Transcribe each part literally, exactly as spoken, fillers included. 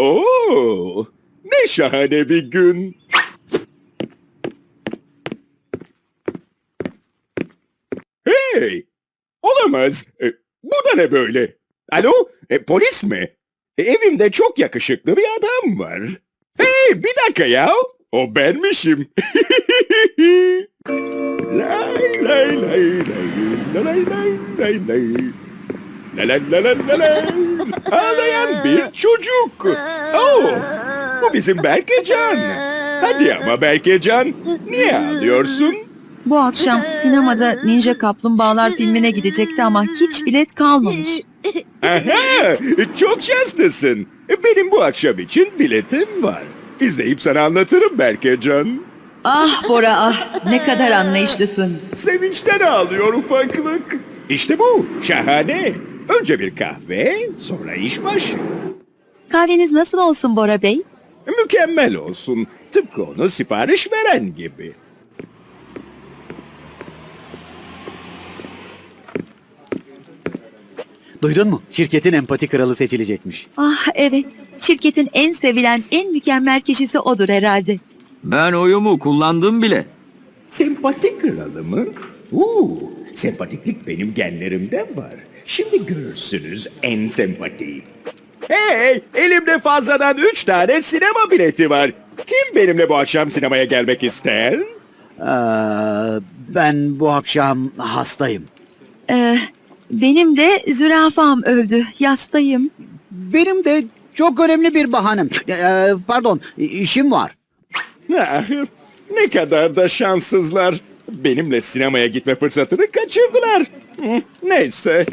Oo, ne şahane bir gün. Hey, olamaz. E, bu da ne böyle? Alo, e, polis mi? E, evimde çok yakışıklı bir adam var. Hey, bir dakika ya. O benmişim. Lay lay lay lay, lay lay lay lay. La la la la la la. Ağlayan bir çocuk. Oh, bu bizim Berkecan. Hadi ama Berkecan, niye ağlıyorsun? Bu akşam sinemada Ninja Kaplumbağalar filmine gidecekti ama hiç bilet kalmamış. Aha, çok şanslısın. Benim bu akşam için biletim var. İzleyip sana anlatırım Berkecan. Ah Bora ah, ne kadar anlayışlısın. Sevinçten ağlıyor ufaklık. İşte bu, şahane. Önce bir kahve, sonra iş başı. Kahveniz nasıl olsun Bora Bey? Mükemmel olsun. Tıpkı onu sipariş veren gibi. Duydun mu? Şirketin empati kralı seçilecekmiş. Ah evet, şirketin en sevilen, en mükemmel kişisi odur herhalde. Ben oyumu kullandım bile. Sempati kralı mı? Uuu, sempatiklik benim genlerimde var. Şimdi görürsünüz en sempatiyi. Hey, elimde fazladan üç tane sinema bileti var. Kim benimle bu akşam sinemaya gelmek ister? Ee, ben bu akşam hastayım. Ee, benim de zürafam öldü, yastayım. Benim de çok önemli bir bahanem. Ee, pardon, işim var. Ah, ne kadar da şanssızlar. Benimle sinemaya gitme fırsatını kaçırdılar. Hı, neyse.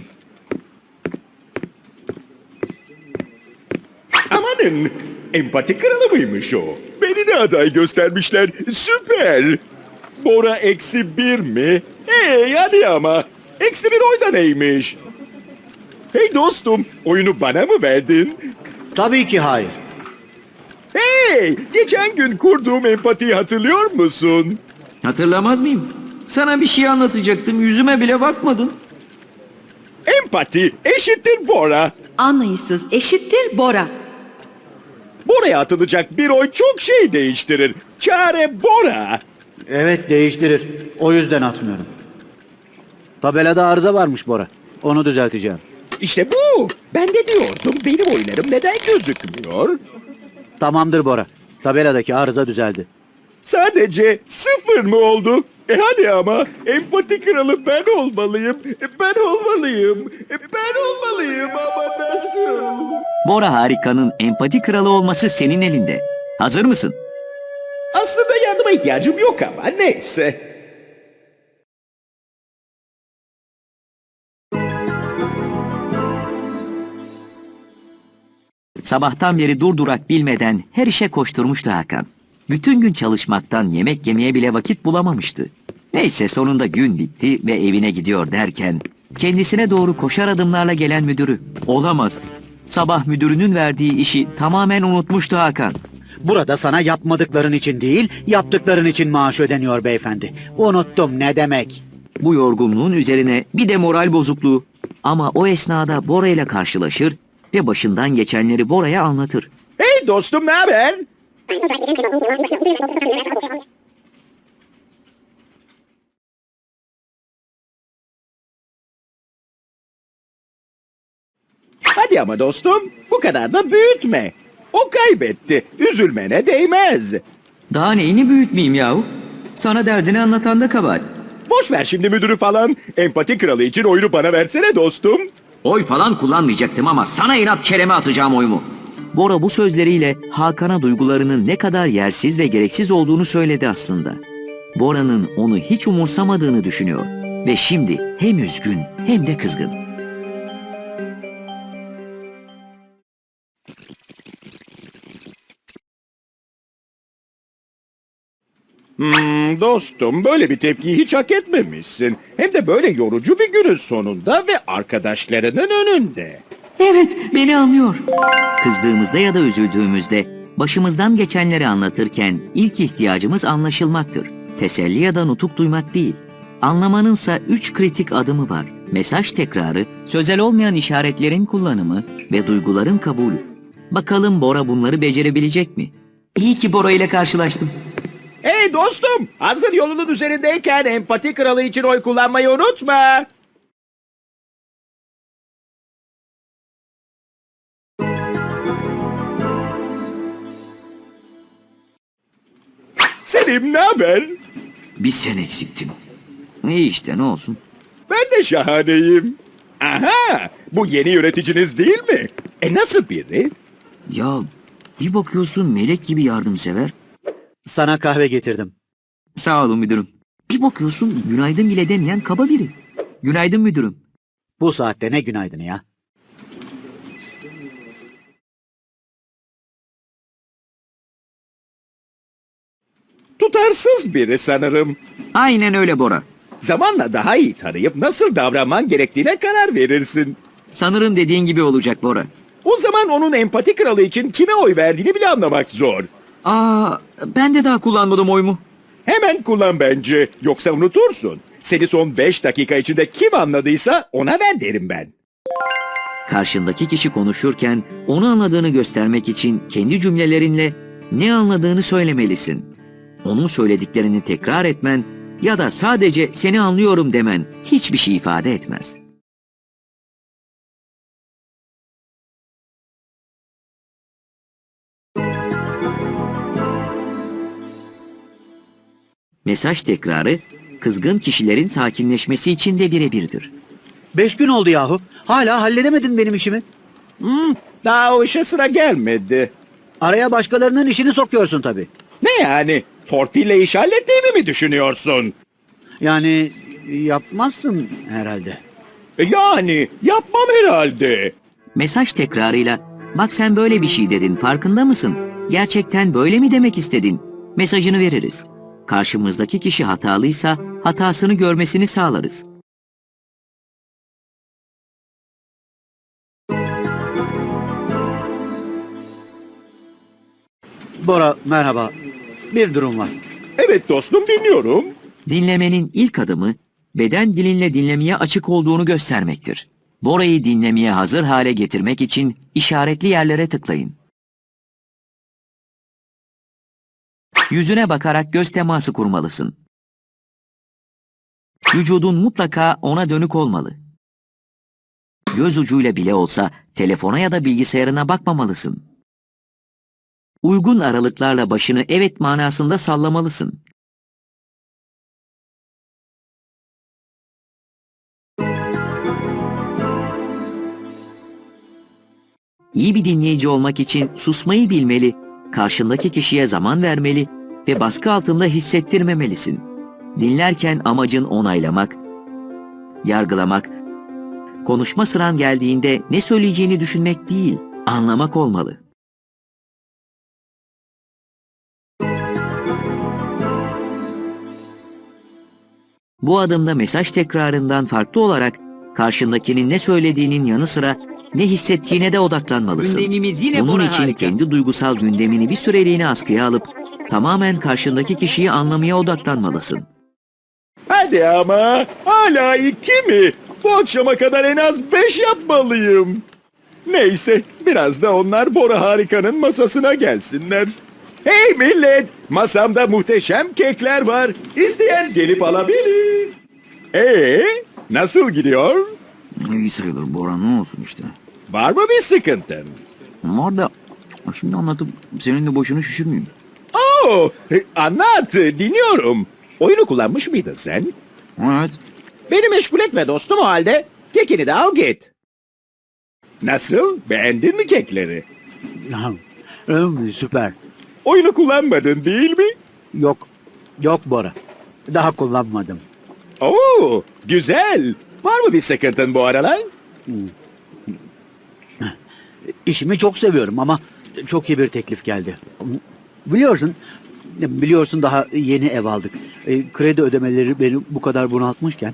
Amanın, empati kralı mıymış o? Beni de aday göstermişler. Süper. Bora eksi bir mi? Hey hadi ama. Eksi bir oy da neymiş? Hey dostum, oyunu bana mı verdin? Tabii ki hayır. Hey, geçen gün kurduğum empatiyi hatırlıyor musun? Hatırlamaz mıyım? Sana bir şey anlatacaktım, yüzüme bile bakmadın. Empati eşittir Bora. Anlayışsız eşittir Bora. Bora'ya atılacak bir oy çok şey değiştirir. Çare Bora. Evet, değiştirir. O yüzden atmıyorum. Tabelada arıza varmış Bora. Onu düzelteceğim. İşte bu. Ben de diyordum benim oylarım neden gözükmüyor? Tamamdır Bora. Tabeladaki arıza düzeldi. Sadece sıfır mı oldu? E hadi ama empati kralı ben olmalıyım. E ben olmalıyım. E ben olmalıyım ama nasıl? Bora Harika'nın empati kralı olması senin elinde. Hazır mısın? Aslında yardıma ihtiyacım yok ama neyse. Sabahtan beri durdurak bilmeden her işe koşturmuştu Hakan. Bütün gün çalışmaktan yemek yemeye bile vakit bulamamıştı. Neyse sonunda gün bitti ve evine gidiyor derken kendisine doğru koşar adımlarla gelen müdürü. Olamaz. Sabah müdürünün verdiği işi tamamen unutmuştu Hakan. Burada sana yapmadıkların için değil, yaptıkların için maaş ödeniyor beyefendi. Unuttum ne demek. Bu yorgunluğun üzerine bir de moral bozukluğu. Ama o esnada Bora ile karşılaşır ve başından geçenleri Bora'ya anlatır. Hey dostum ne haber? Hadi ama dostum, bu kadar da büyütme. O kaybetti, üzülmene değmez. Daha neyini büyütmeyeyim yahu? Sana derdini anlatan da kabahat. Boş ver şimdi müdürü falan. Empati kralı için oyunu bana versene dostum. Oy falan kullanmayacaktım ama sana inat kereme atacağım oyumu. Bora bu sözleriyle Hakan'a duygularının ne kadar yersiz ve gereksiz olduğunu söyledi aslında. Bora'nın onu hiç umursamadığını düşünüyor ve şimdi hem üzgün hem de kızgın. Hmm, dostum böyle bir tepkiyi hiç hak etmemişsin. Hem de böyle yorucu bir günün sonunda ve arkadaşlarının önünde. Evet, beni anlıyor. Kızdığımızda ya da üzüldüğümüzde başımızdan geçenleri anlatırken ilk ihtiyacımız anlaşılmaktır. Teselli ya da nutuk duymak değil. Anlamanınsa üç kritik adımı var. Mesaj tekrarı, sözel olmayan işaretlerin kullanımı ve duyguların kabulü. Bakalım Bora bunları becerebilecek mi? İyi ki Bora ile karşılaştım. Hey dostum, hazır yolunun üzerindeyken empati kralı için oy kullanmayı unutma. Selim, ne haber? Bir sen eksiktin. İyi işte, ne olsun. Ben de şahaneyim. Aha, bu yeni yöneticiniz değil mi? E nasıl biri? Ya bir bakıyorsun melek gibi yardımsever. Sana kahve getirdim. Sağ olun müdürüm. Bir bakıyorsun günaydın bile demeyen kaba biri. Günaydın müdürüm. Bu saatte ne günaydın ya. Tutarsız biri sanırım. Aynen öyle Bora. Zamanla daha iyi tanıyıp nasıl davranman gerektiğine karar verirsin. Sanırım dediğin gibi olacak Bora. O zaman onun empati kralı için kime oy verdiğini bile anlamak zor. Aa, ben de daha kullanmadım oyumu. Hemen kullan bence, yoksa unutursun. Seni son beş dakika içinde kim anladıysa ona ver derim ben. Karşındaki kişi konuşurken onu anladığını göstermek için kendi cümlelerinle ne anladığını söylemelisin. Onun söylediklerini tekrar etmen ya da sadece seni anlıyorum demen hiçbir şey ifade etmez. Mesaj tekrarı kızgın kişilerin sakinleşmesi için de birebirdir. Beş gün oldu yahu. Hala halledemedin benim işimi. Hmm, daha o işe sıra gelmedi. Araya başkalarının işini sokuyorsun tabii. Ne yani? Torpille iş hallettiğimi mi düşünüyorsun? Yani yapmazsın herhalde. E Yani yapmam herhalde. Mesaj tekrarıyla bak sen böyle bir şey dedin farkında mısın? Gerçekten böyle mi demek istedin? Mesajını veririz. Karşımızdaki kişi hatalıysa hatasını görmesini sağlarız. Bora merhaba. Bir durum var. Evet dostum, dinliyorum. Dinlemenin ilk adımı beden dilinle dinlemeye açık olduğunu göstermektir. Bora'yı dinlemeye hazır hale getirmek için işaretli yerlere tıklayın. Yüzüne bakarak göz teması kurmalısın. Vücudun mutlaka ona dönük olmalı. Göz ucuyla bile olsa telefona ya da bilgisayarına bakmamalısın. Uygun aralıklarla başını evet manasında sallamalısın. İyi bir dinleyici olmak için susmayı bilmeli, karşındaki kişiye zaman vermeli ve baskı altında hissettirmemelisin. Dinlerken amacın onaylamak, yargılamak, konuşma sıran geldiğinde ne söyleyeceğini düşünmek değil, anlamak olmalı. Bu adımda mesaj tekrarından farklı olarak karşındakinin ne söylediğinin yanı sıra ne hissettiğine de odaklanmalısın. Gündemimiz yine Bunun Bora için harika. kendi duygusal gündemini bir süreliğine askıya alıp tamamen karşındaki kişiyi anlamaya odaklanmalısın. Hadi ama, hala iki mi? Bu akşama kadar en az beş yapmalıyım. Neyse, biraz da onlar Bora Harika'nın masasına gelsinler. Hey millet, masamda muhteşem kekler var. İsteyen gelip alabilir. Ee, nasıl gidiyor? İyi sayılır Bora, ne olsun işte. Var mı bir sıkıntın? Var da şimdi anlatıp senin de boşunu şişirmeyeyim. Oo, e, anlat, dinliyorum. Oyunu kullanmış mıydın sen? Evet. Beni meşgul etme dostum o halde. Kekini de al git. Nasıl? Beğendin mi kekleri? Hmm, Süper. Oyunu kullanmadın değil mi? Yok. Yok Bora. Daha kullanmadım. Oo, güzel. Var mı bir sıkıntın bu aralar? İşimi çok seviyorum ama çok iyi bir teklif geldi. Biliyorsun, biliyorsun daha yeni ev aldık. E, kredi ödemeleri beni bu kadar bunaltmışken.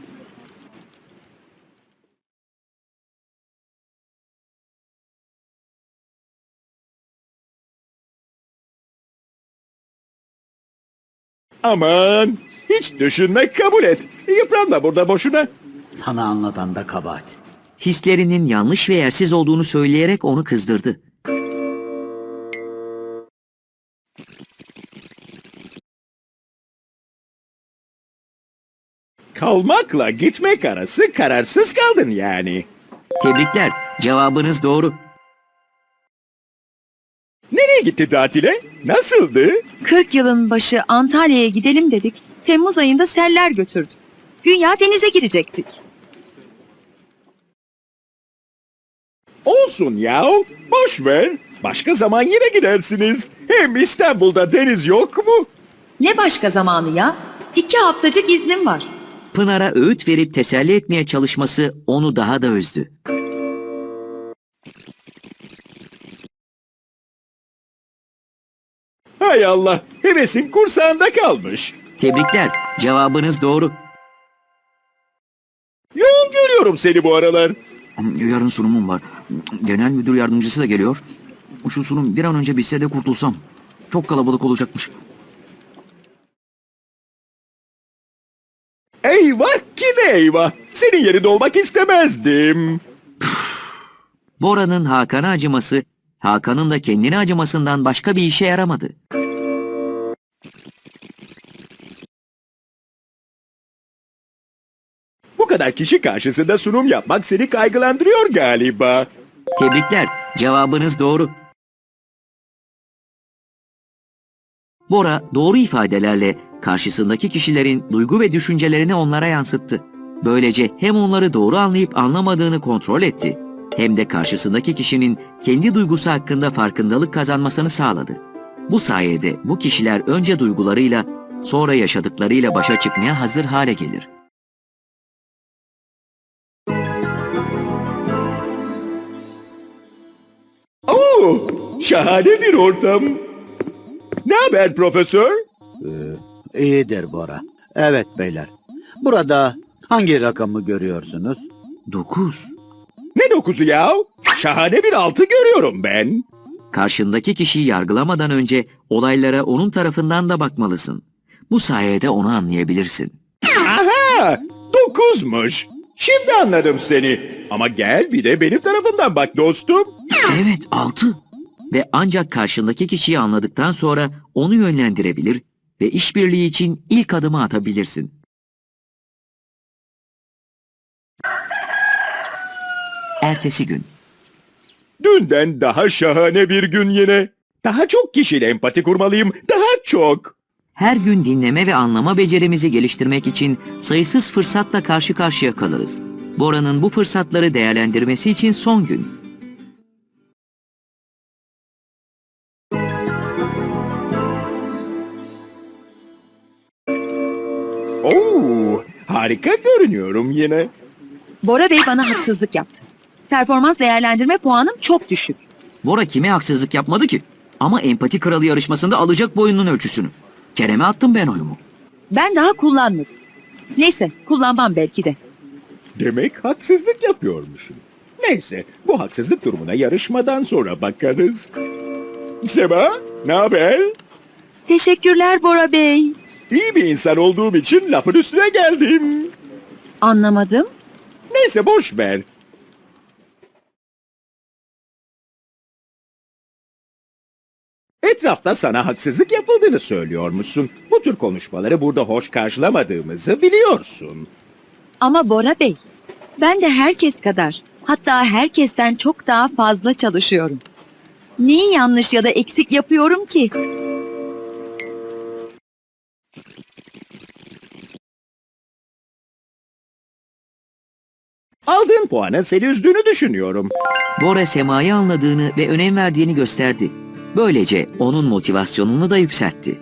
Aman, hiç düşünme, kabul et. Yıpranma burada boşuna. Sana anlatan da kabahat. Hislerinin yanlış ve yersiz olduğunu söyleyerek onu kızdırdı. Kalmakla gitmek arası kararsız kaldın yani. Tebrikler, cevabınız doğru. Nereye gitti tatile? Nasıldı? kırk yılın başı Antalya'ya gidelim dedik. Temmuz ayında seller götürdü. Güya denize girecektik. Olsun ya. Boş ver. Başka zaman yine gidersiniz. Hem İstanbul'da deniz yok mu? Ne başka zamanı ya? İki haftacık iznim var. Pınar'a öğüt verip teselli etmeye çalışması onu daha da üzdü. Hay Allah. Hevesin kursağında kalmış. Tebrikler, cevabınız doğru. Yoğun görüyorum seni bu aralar. Yarın sunumum var. Genel müdür yardımcısı da geliyor. Şu sunum bir an önce bitse de kurtulsam. Çok kalabalık olacakmış. Eyvah ki ne eyvah. Senin yerinde olmak istemezdim. Bora'nın Hakan'a acıması, Hakan'ın da kendine acımasından başka bir işe yaramadı. Bu kadar kişi karşısında sunum yapmak seni kaygılandırıyor galiba. Tebrikler, cevabınız doğru. Bora doğru ifadelerle karşısındaki kişilerin duygu ve düşüncelerini onlara yansıttı. Böylece hem onları doğru anlayıp anlamadığını kontrol etti, hem de karşısındaki kişinin kendi duygusu hakkında farkındalık kazanmasını sağladı. Bu sayede bu kişiler önce duygularıyla, sonra yaşadıklarıyla başa çıkmaya hazır hale gelir. Oo, şahane bir ortam. Ne haber profesör? İyidir Bora. Evet beyler. Burada hangi rakamı görüyorsunuz? Dokuz. Ne dokuzu ya? Şahane bir altı görüyorum ben. Karşındaki kişiyi yargılamadan önce olaylara onun tarafından da bakmalısın. Bu sayede onu anlayabilirsin. Aha, dokuzmuş. Şimdi anladım seni. Ama gel bir de benim tarafımdan bak dostum. Evet, altı. Ve ancak karşındaki kişiyi anladıktan sonra onu yönlendirebilir ve işbirliği için ilk adımı atabilirsin. Ertesi gün. Dünden daha şahane bir gün yine. Daha çok kişiyle empati kurmalıyım. Daha çok. Her gün dinleme ve anlama becerimizi geliştirmek için sayısız fırsatla karşı karşıya kalırız. Bora'nın bu fırsatları değerlendirmesi için son gün. Oo, harika görünüyorum yine. Bora Bey bana haksızlık yaptı. Performans değerlendirme puanım çok düşük. Bora kime haksızlık yapmadı ki? Ama empati kralı yarışmasında alacak boyunun ölçüsünü. Kerem'e attım ben oyumu. Ben daha kullanmadım. Neyse, kullanmam belki de. Demek haksızlık yapıyormuşum. Neyse, bu haksızlık durumuna yarışmadan sonra bakarız. Seba, ne haber? Teşekkürler Bora Bey. İyi bir insan olduğum için lafın üstüne geldim. Anlamadım. Neyse boş ver. Etrafta sana haksızlık yapıldığını söylüyormuşsun. Bu tür konuşmaları burada hoş karşılamadığımızı biliyorsun. Ama Bora Bey, ben de herkes kadar, hatta herkesten çok daha fazla çalışıyorum. Neyi yanlış ya da eksik yapıyorum ki? Aldığın puanın seni üzdüğünü düşünüyorum. Bora Sema'yı anladığını ve önem verdiğini gösterdi. Böylece onun motivasyonunu da yükseltti.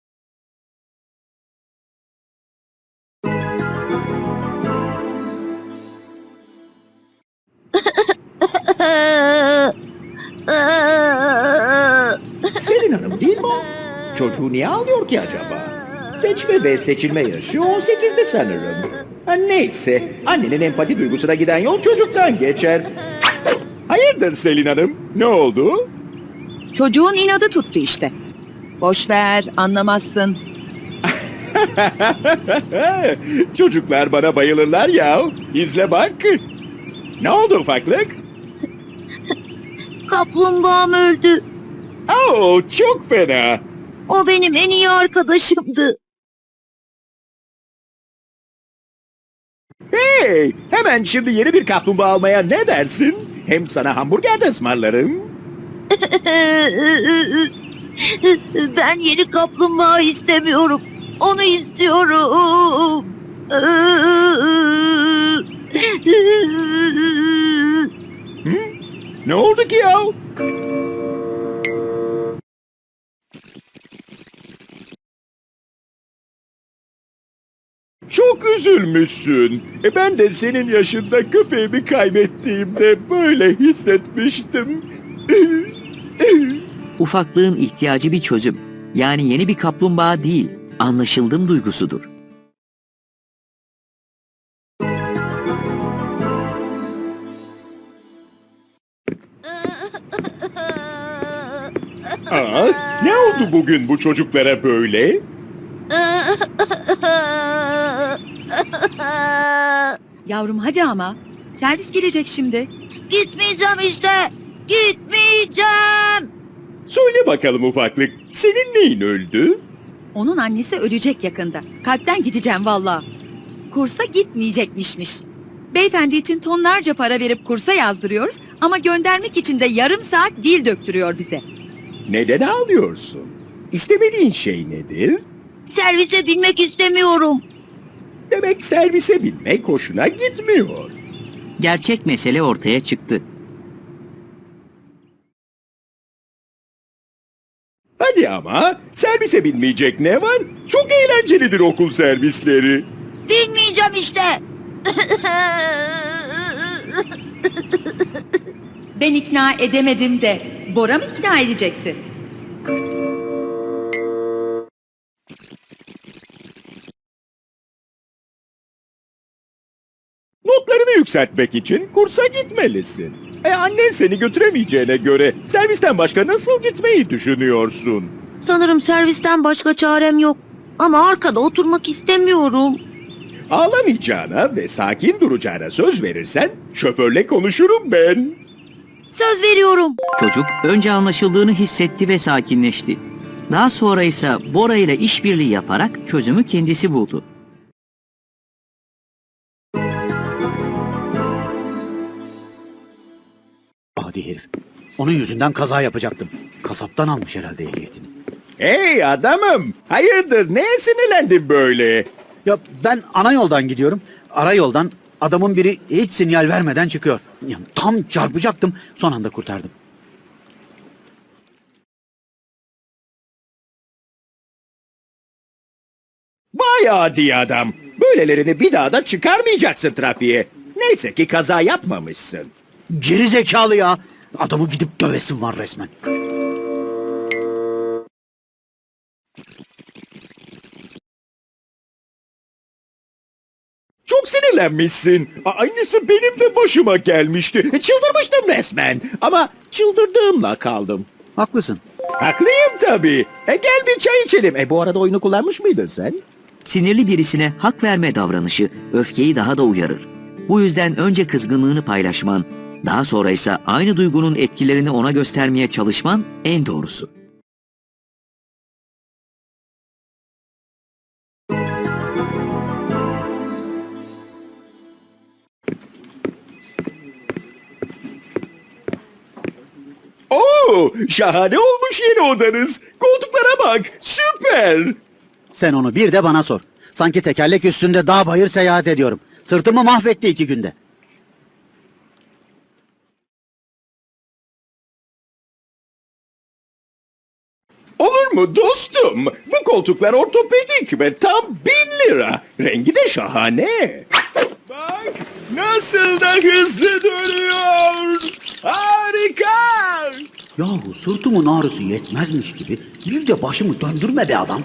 Selin Hanım değil mi o? Çocuğu niye ağlıyor ki acaba? Seçme ve seçilme yaşı on sekizde sanırım. Ha, neyse, annenin empati duygusuna giden yol çocuktan geçer. Hayırdır Selin Hanım? Ne oldu? Çocuğun inadı tuttu işte. Boş ver, anlamazsın. Çocuklar bana bayılırlar ya. İzle bak. Ne oldu ufaklık? Kaplumbağam öldü. Oo, çok fena. O benim en iyi arkadaşımdı. Hey, hemen şimdi yeni bir kaplumbağa almaya ne dersin? Hem sana hamburger de ısmarlarım. Ben yeni kaplumbağa istemiyorum. Onu istiyorum. Ne oldu ki ya? Çok üzülmüşsün. E ben de senin yaşında köpeğimi kaybettiğimde böyle hissetmiştim. Ufaklığın ihtiyacı bir çözüm. Yani yeni bir kaplumbağa değil, anlaşıldım duygusudur. Aa, ne oldu bugün bu çocuklara böyle? Yavrum hadi ama. Servis gelecek şimdi. Gitmeyeceğim işte. Gitmeyeceğim. Söyle bakalım ufaklık, senin neyin öldü? Onun annesi ölecek yakında. Kalpten gideceğim valla. Kursa gitmeyecekmişmiş. Beyefendi için tonlarca para verip kursa yazdırıyoruz ama göndermek için de yarım saat dil döktürüyor bize. Neden ağlıyorsun? İstemediğin şey nedir? Servise binmek istemiyorum. Demek servise binmek hoşuna gitmiyor. Gerçek mesele ortaya çıktı. Hadi ama servise binmeyecek ne var? Çok eğlencelidir okul servisleri. Binmeyeceğim işte. Ben ikna edemedim de Bora mı ikna edecekti? Notlarını yükseltmek için kursa gitmelisin. E annen seni götüremeyeceğine göre servisten başka nasıl gitmeyi düşünüyorsun? Sanırım servisten başka çarem yok. Ama arkada oturmak istemiyorum. Ağlamayacağına ve sakin duracağına söz verirsen şoförle konuşurum ben. Söz veriyorum. Çocuk önce anlaşıldığını hissetti ve sakinleşti. Daha sonra ise Bora ile işbirliği yaparak çözümü kendisi buldu. Adi herif. Onun yüzünden kaza yapacaktım. Kasaptan almış herhalde ehliyetini. Hey adamım, hayırdır neye sinirlendin böyle? Ya ben ana yoldan gidiyorum. Ara yoldan adamın biri hiç sinyal vermeden çıkıyor. Ya tam çarpacaktım. Son anda kurtardım. Vay adi adam, böylelerini bir daha da çıkarmayacaksın trafiğe. Neyse ki kaza yapmamışsın. Geri zekalı ya. Adamı gidip dövesim var resmen. Çok sinirlenmişsin. A- Aynısı benim de başıma gelmişti. Çıldırmıştım resmen. Ama çıldırdığımla kaldım. Haklısın. Haklıyım tabii. E gel bir çay içelim. E bu arada oyunu kullanmış mıydın sen? Sinirli birisine hak verme davranışı öfkeyi daha da uyarır. Bu yüzden önce kızgınlığını paylaşman, daha sonra ise aynı duygunun etkilerini ona göstermeye çalışman en doğrusu. Oo, şahane olmuş yeni odanız. Koltuklara bak. Süper. Sen onu bir de bana sor. Sanki tekerlek üstünde dağ bayır seyahat ediyorum. Sırtımı mahvetti iki günde. Olur mu dostum? Bu koltuklar ortopedik ve tam bin lira. Rengi de şahane. Bak nasıl da hızlı dönüyor. Harika. Yahu sırtımın ağrısı yetmezmiş gibi bir de başımı döndürme be adam.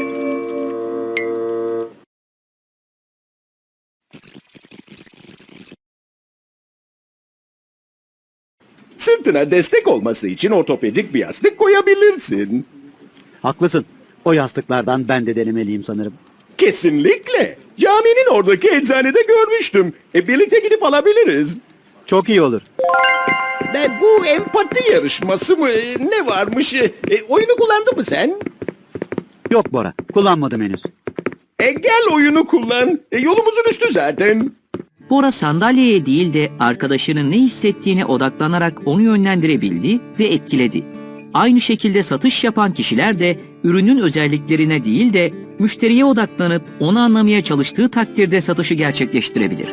Sırtına destek olması için ortopedik bir yastık koyabilirsin. Haklısın. O yastıklardan ben de denemeliyim sanırım. Kesinlikle. Caminin oradaki eczanede görmüştüm. E, birlikte gidip alabiliriz. Çok iyi olur. Ve bu empati yarışması mı? E, ne varmış? E, oyunu kullandın mı sen? Yok Bora, kullanmadım henüz. E, gel oyunu kullan. E, yolumuzun üstü zaten. Bora sandalyeye değil de arkadaşının ne hissettiğine odaklanarak onu yönlendirebildi ve etkiledi. Aynı şekilde satış yapan kişiler de ürünün özelliklerine değil de müşteriye odaklanıp onu anlamaya çalıştığı takdirde satışı gerçekleştirebilir.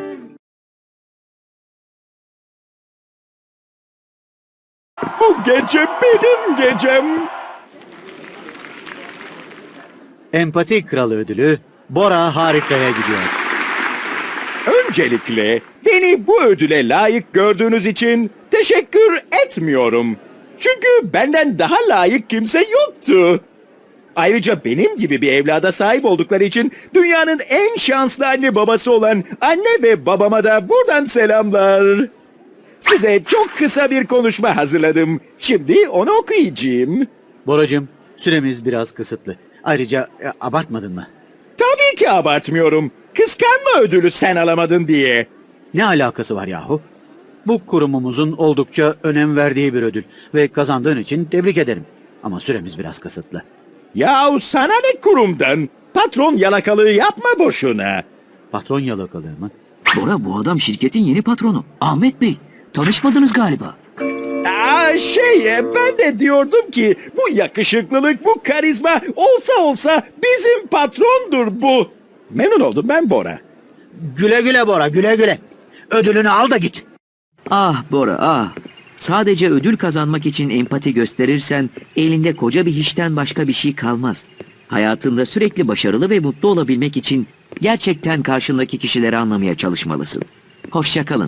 Bu gece benim gecem. Empati Kralı ödülü Bora Harika'ya gidiyor. Öncelikle beni bu ödüle layık gördüğünüz için teşekkür etmiyorum. Çünkü benden daha layık kimse yoktu. Ayrıca benim gibi bir evlada sahip oldukları için dünyanın en şanslı anne babası olan anne ve babama da buradan selamlar. Size çok kısa bir konuşma hazırladım. Şimdi onu okuyacağım. Boracığım, süremiz biraz kısıtlı. Ayrıca e, abartmadın mı? Tabii ki abartmıyorum. Kıskanma ödülü sen alamadın diye. Ne alakası var yahu? Bu kurumumuzun oldukça önem verdiği bir ödül ve kazandığın için tebrik ederim. Ama süremiz biraz kısıtlı. Yahu sana ne kurumdan? Patron yalakalığı yapma boşuna. Patron yalakalığı mı? Bora, bu adam şirketin yeni patronu. Ahmet Bey, tanışmadınız galiba. Aa, şey e, ben de diyordum ki bu yakışıklılık, bu karizma olsa olsa bizim patrondur bu. Memnun oldum ben Bora. Güle güle Bora, güle güle. Ödülünü al da git. Ah Bora, ah. Sadece ödül kazanmak için empati gösterirsen elinde koca bir hiçten başka bir şey kalmaz. Hayatında sürekli başarılı ve mutlu olabilmek için gerçekten karşındaki kişileri anlamaya çalışmalısın. Hoşça kalın.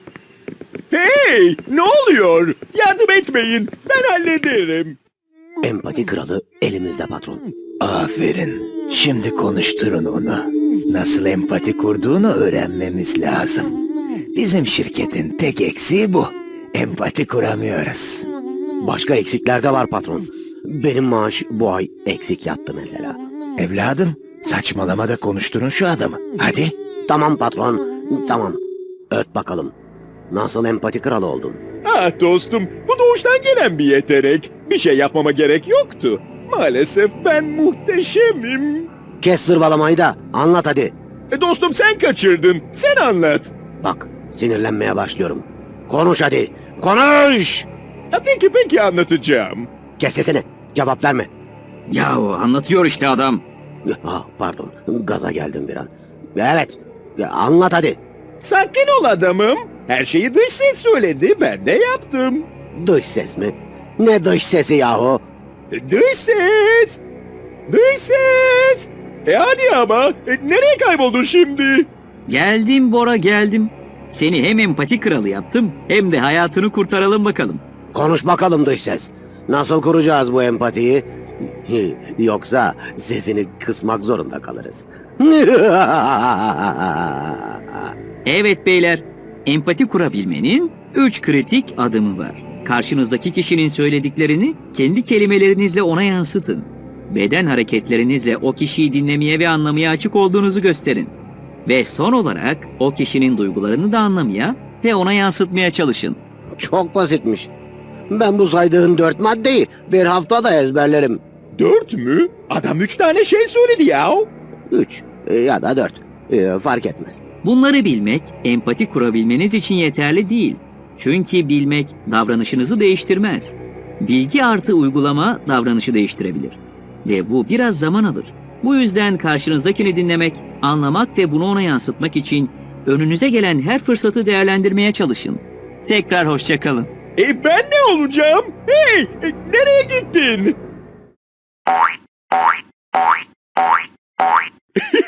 Hey, ne oluyor? Yardım etmeyin, ben hallederim. Empati kralı elimizde patron. Aferin. Şimdi konuşturun onu. Nasıl empati kurduğunu öğrenmemiz lazım. Bizim şirketin tek eksiği bu. Empati kuramıyoruz. Başka eksikler de var patron. Benim maaş bu ay eksik yattı mesela. Evladım, saçmalama da konuşturun şu adamı. Hadi. Tamam patron, tamam. Öt bakalım. Nasıl empati kralı oldun? Ah dostum, bu doğuştan gelen bir yetenek. Bir şey yapmama gerek yoktu. Maalesef ben muhteşemim. Kes zırvalamayı da anlat hadi. E, dostum sen kaçırdın, sen anlat. Bak, sinirlenmeye başlıyorum. Konuş hadi, konuş! Ha, peki peki anlatacağım. Kes sesini, cevap verme. Yahu anlatıyor işte adam. Ah, pardon, gaza geldim bir an. Evet, ya anlat hadi. Sakin ol adamım. Her şeyi dış ses söyledi, ben de yaptım. Dış ses mi? Ne dış sesi yahu? E, Dış ses! Dış ses! E hadi ama, e, nereye kayboldun şimdi? Geldim Bora, geldim. Seni hem empati kralı yaptım hem de hayatını kurtaralım bakalım. Konuş bakalım dış ses. Nasıl kuracağız bu empatiyi? Yoksa sesini kısmak zorunda kalırız. Evet beyler, empati kurabilmenin üç kritik adımı var. Karşınızdaki kişinin söylediklerini kendi kelimelerinizle ona yansıtın. Beden hareketlerinizle o kişiyi dinlemeye ve anlamaya açık olduğunuzu gösterin. Ve son olarak o kişinin duygularını da anlamaya ve ona yansıtmaya çalışın. Çok basitmiş. Ben bu saydığın dört maddeyi bir haftada ezberlerim. Dört mü? Adam üç tane şey söyledi ya. Üç ya da dört. Ee, fark etmez. Bunları bilmek, empati kurabilmeniz için yeterli değil. Çünkü bilmek davranışınızı değiştirmez. Bilgi artı uygulama davranışı değiştirebilir. Ve bu biraz zaman alır. Bu yüzden karşınızdakini dinlemek, anlamak ve bunu ona yansıtmak için önünüze gelen her fırsatı değerlendirmeye çalışın. Tekrar hoşça kalın. E ben ne olacağım? Hey, e, nereye gittin?